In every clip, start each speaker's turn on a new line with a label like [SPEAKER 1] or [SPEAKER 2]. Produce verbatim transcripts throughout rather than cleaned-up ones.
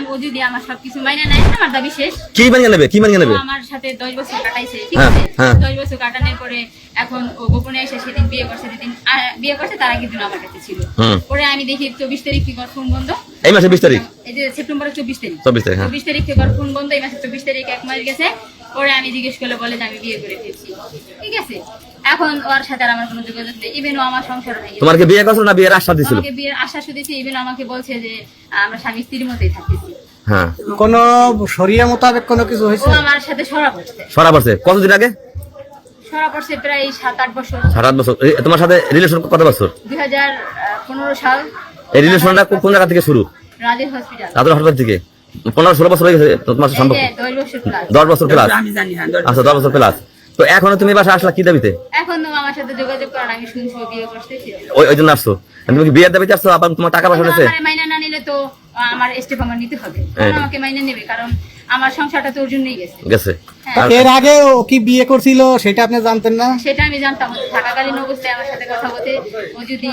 [SPEAKER 1] ও যদি আমার সবকিছু মাইনে নেয় আমার দাবি শেষ।
[SPEAKER 2] কি মানিয়ে নেবে? কি মানিয়ে নেবে?
[SPEAKER 1] আমার সাথে দশ বছর কাটাইছে, ঠিক আছে? দশ বছর কাটানোর পরে এখন ও গোপনে এসে সেদিন বিয়ে করছে, যেদিন বিয়ে করছে তার আগের দিন আমার কাছে ছিল। পরে আমি দেখি চব্বিশ তারিখ থেকে ফোন বন্ধ।
[SPEAKER 2] এই মাসে বিশ তারিখ,
[SPEAKER 1] এই যে সেপ্টেম্বরের চব্বিশ তারিখ,
[SPEAKER 2] চব্বিশ তারিখ
[SPEAKER 1] চব্বিশ তারিখ থেকে ফোন বন্ধ। এই মাসে চব্বিশ তারিখ এক মাস গেছে। পরে আমি জিজ্ঞেস করলে বলে যে আমি বিয়ে করে ফেলছি, ঠিক আছে? এখন ওর সাথে আর আমার কোনো যোগাযোগ নেই। ইভেন ও আমার সংসার হয়ে গেছে।
[SPEAKER 2] তোমার কি বিয়ে করছো না বিয়ের আশ্বাস দিছিল?
[SPEAKER 1] আমাকে বিয়ের আশ্বাস দিয়েছে। ইভেন আমাকে বলছে যে আমরা স্বামী স্ত্রীর মতোই থাকতেছি।
[SPEAKER 2] হ্যাঁ,
[SPEAKER 3] কোন শরিয়া মোতাবেক কোনো কিছু হয়েছে?
[SPEAKER 1] ও আমার সাথে সরা পড়ছে।
[SPEAKER 2] সরা পড়ছে কতদিন আগে?
[SPEAKER 1] সরা পড়ছে প্রায় সাত আট বছর।
[SPEAKER 2] সাত আট বছর। তোমার সাথে রিলেশন কত বছর?
[SPEAKER 1] দুই হাজার পনেরো সাল।
[SPEAKER 2] এই রিলেশনটা কোন জায়গা থেকে শুরু?
[SPEAKER 1] রাজের হসপিটাল।
[SPEAKER 2] রাজের হসপিটাল থেকে পনেরো ষোলো বছর হয়ে গেছে তোমার সম্পর্ক? দশ বছর প্লাস। আচ্ছা, দশ বছর প্লাস। তো এখনো তুমি বাসা আসলা কি দাবিতে?
[SPEAKER 1] এখন আমার সাথে যোগাযোগ করার আমি শুনছি বিয়ে করতেছি,
[SPEAKER 2] ওই ওই জন্য আসছো? তুমি কি বিয়ের দাবিতে আসছো? আবার তোমার টাকা পয়সা নিয়েছে?
[SPEAKER 1] আমার মাইনা না নিলে তো আমার স্টেপ আমার নিতে হবে। আমাকে মাইনা নেবে, কারণ আমার সংসারটা তো ওর জন্যই গেছে
[SPEAKER 2] গেছে
[SPEAKER 3] এর আগে ও কি বিয়ে করছিল সেটা আপনি জানতেন না?
[SPEAKER 1] সেটা আমি জানতাম। থাকাকালীন অবস্থায় আমার সাথে কথা বলতে ও যদি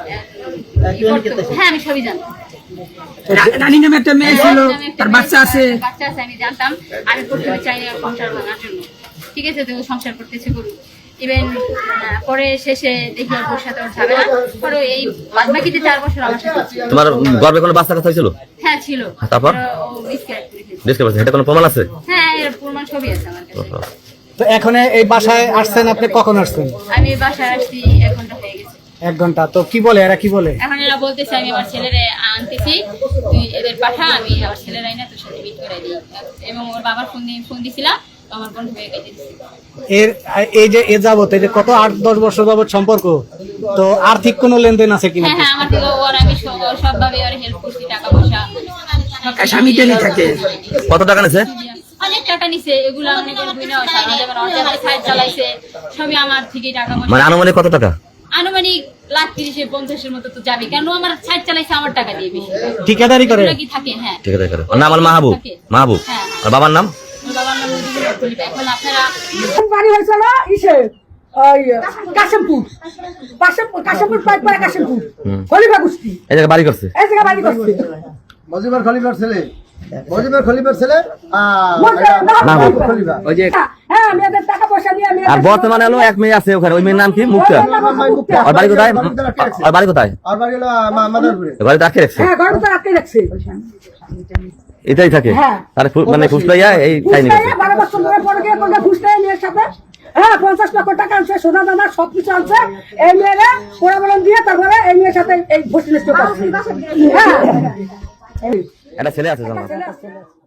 [SPEAKER 1] হ্যাঁ আমি সবই জানতাম।
[SPEAKER 4] রানী নামে একটা মেয়ে ছিল, তার বাচ্চা আছে।
[SPEAKER 1] বাচ্চা আছে আমি জানতাম। আমি প্রথমে চাইনি সংসার ভাঙার জন্য, ঠিক আছে? তো সংসার করতেছে করুক। ইভেন পরে শেষে দেখি ওর সাথে ওর ঝামেলা। পরে এই বাদবাকিতে চার বছর আমার সাথে ছিল।
[SPEAKER 2] তোমার গর্ভে কোনো বাচ্চা কথা হয়েছিল?
[SPEAKER 1] হ্যাঁ ছিল।
[SPEAKER 2] তারপর
[SPEAKER 1] ও মিসক্যারেজ করে ফেলেছে।
[SPEAKER 2] ডিসকাস করছে, এটা কোনো প্রমাণ আছে?
[SPEAKER 1] হ্যাঁ এর প্রমাণ সবই আছে আমার কাছে।
[SPEAKER 3] তো এখন এই বাসায় আসছেন আপনি, কখন আসছেন?
[SPEAKER 1] আমি বাসায় আসছি এক ঘন্টা হয়ে গেছে।
[SPEAKER 3] এক ঘন্টা। তো কি বলে এরা, কি বলে?
[SPEAKER 1] এখন এরা বলতেছে আমি আমার ছেলেরে আনতেছি, তুই এদের পাঠা, আমি আমার ছেলের আইনা তোর সাথে মিট করে দিই। এবং ওর বাবার ফোন দিয়ে ফোন দিছিলাম, আমার বন্ধু হয়ে কেটে দিচ্ছি।
[SPEAKER 3] এর এই যে এ যাবত এই যে কত আট দশ বছর যাবত সম্পর্ক, তো আর্থিক কোনো লেনদেন আছে কিনা?
[SPEAKER 1] হ্যাঁ হ্যাঁ আমার থেকে ওর আমি সবভাবে ওর হেল্প করছি, টাকা পয়সা
[SPEAKER 4] স্বামী টেনে থাকে।
[SPEAKER 2] কত টাকা নিছে?
[SPEAKER 1] অনেক টাকা নিছে। এগুলো অনেক সাইড চালাইছে, সবই আমার থেকে টাকা পয়সা।
[SPEAKER 2] মানে আনুমানিক কত টাকা?
[SPEAKER 1] আনুমানিক লাখ তিরিশে পঞ্চাশের মতো তো যাবে, কেন আমার সাইড চালাইছে আমার টাকা দিয়ে বেশি।
[SPEAKER 3] ঠিকাদারি করে
[SPEAKER 1] কি থাকে? হ্যাঁ
[SPEAKER 2] ঠিকাদারি করে। ওর নাম আমার মাহবুব। মাহবুব। আর বাবার নাম?
[SPEAKER 1] ওর বাবার নাম এখন আপনারা
[SPEAKER 5] বাড়ি হয়েছিল ইসে ওই কাশিমপুর, কাশিমপুর কাশিমপুর পাইপ পরে কাশিমপুর খলিফা গুস্তি
[SPEAKER 2] এই জায়গায় বাড়ি করছে।
[SPEAKER 5] এই জায়গা বাড়ি করছে
[SPEAKER 6] মজিবর খলিফার ছেলে, মজিবর খলিফার ছেলে খলিফা।
[SPEAKER 2] ওই যে
[SPEAKER 5] হ্যাঁ আমি এদের টাকা পয়সা দিয়ে আমি
[SPEAKER 2] আর বর্তমানে হলো এক মেয়ে আছে ওখানে, ওই মেয়ের নাম কি? মুক্তা। আর বাড়ি কোথায়? আর বাড়ি কোথায়?
[SPEAKER 6] আর বাড়ি হলো মাদারপুরে।
[SPEAKER 2] বাড়ি রাখে রাখছে,
[SPEAKER 5] হ্যাঁ ঘর তো রাখতে রাখছে।
[SPEAKER 2] এটাই থাকে।
[SPEAKER 5] হ্যাঁ।
[SPEAKER 2] তার মানে ফুসলাইয়া এই খাইনি গেছে।
[SPEAKER 5] বারো বছর ধরে পরে গিয়ে করলে ফুসলাই মেয়ের সাথে হ্যাঁ পঞ্চাশ লক্ষ টাকা আনছে, সোনা দানা সবকিছু আনছে। এই মেয়েরা পোড়াবরণ দিয়ে তারপরে এই মেয়ের সাথে এই ভর্তি লিস্ট করছে। হ্যাঁ
[SPEAKER 2] একটা ছেলে আছে জানো?
[SPEAKER 5] ছেলে আছে।